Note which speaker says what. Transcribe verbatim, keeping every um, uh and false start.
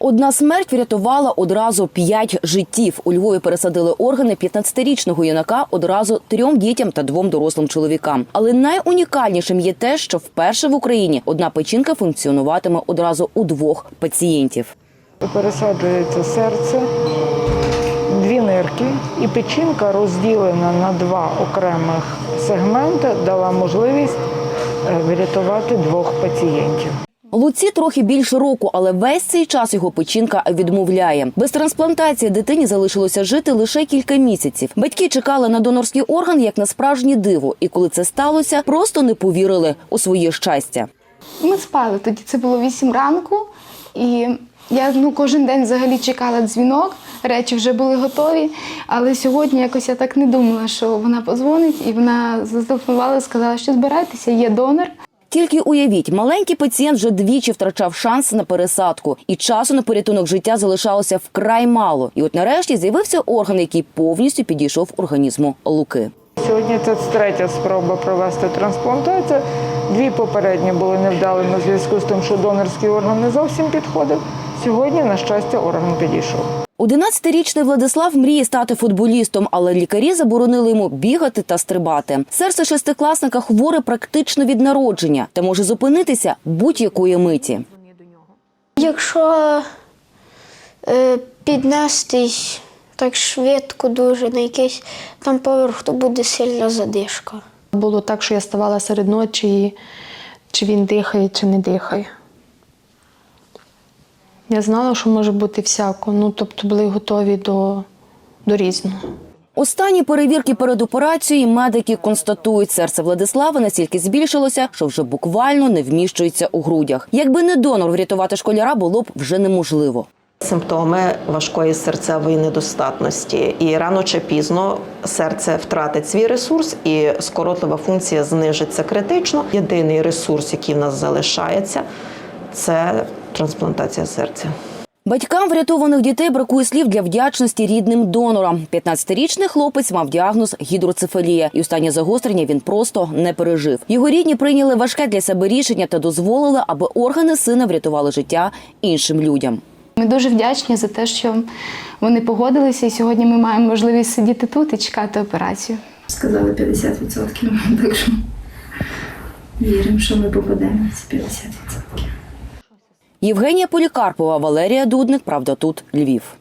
Speaker 1: Одна смерть врятувала одразу п'ять життів. У Львові пересадили органи п'ятнадцятирічного юнака одразу трьом дітям та двом дорослим чоловікам. Але найунікальнішим є те, що вперше в Україні одна печінка функціонуватиме одразу у двох пацієнтів.
Speaker 2: Пересаджується серце, дві нирки, і печінка, розділена на два окремих сегменти, дала можливість врятувати двох пацієнтів.
Speaker 1: Луці трохи більше року, але весь цей час його печінка відмовляє. Без трансплантації дитині залишилося жити лише кілька місяців. Батьки чекали на донорський орган як на справжнє диво. І коли це сталося, просто не повірили у своє щастя.
Speaker 3: Ми спали тоді, це було вісім ранку, і я ну, кожен день взагалі чекала дзвінок, речі вже були готові, але сьогодні якось я так не думала, що вона подзвонить, і вона зателефонувала і сказала, що збирайтеся, є донор.
Speaker 1: Тільки уявіть, маленький пацієнт вже двічі втрачав шанс на пересадку. І часу на порятунок життя залишалося вкрай мало. І от нарешті з'явився орган, який повністю підійшов організму Луки.
Speaker 2: Сьогодні це третя спроба провести трансплантацію. Дві попередні були невдалими в зв'язку з тим, що донорський орган не зовсім підходив. Сьогодні, на щастя, орган підійшов.
Speaker 1: одинадцятирічний Владислав мріє стати футболістом, але лікарі заборонили йому бігати та стрибати. Серце шестикласника хворе практично від народження та може зупинитися будь-якої миті.
Speaker 4: Якщо е, піднестись так швидко дуже на якийсь там поверх, то буде сильна задишка.
Speaker 5: Було так, що я ставала серед ночі, чи він дихає, чи не дихає. Я знала, що може бути всяко, ну, тобто були готові до, до різного.
Speaker 1: Останні перевірки перед операцією медики констатують, серце Владислава настільки збільшилося, що вже буквально не вміщується у грудях. Якби не донор, врятувати школяра було б вже неможливо.
Speaker 6: Симптоми важкої серцевої недостатності. І рано чи пізно серце втратить свій ресурс і скоротлива функція знижиться критично. Єдиний ресурс, який в нас залишається, це трансплантація серця.
Speaker 1: Батькам врятованих дітей бракує слів для вдячності рідним донорам. п'ятнадцятирічний хлопець мав діагноз гідроцефалія, і останнє загострення він просто не пережив. Його рідні прийняли важке для себе рішення та дозволили, аби органи сина врятували життя іншим людям.
Speaker 3: Ми дуже вдячні за те, що вони погодилися, і сьогодні ми маємо можливість сидіти тут і чекати операцію.
Speaker 7: Сказали п'ятдесят відсотків, так що віримо, що ми попадемо з п'ятдесят відсотків.
Speaker 1: Євгенія Полікарпова, Валерія Дудник, Правда тут, Львів.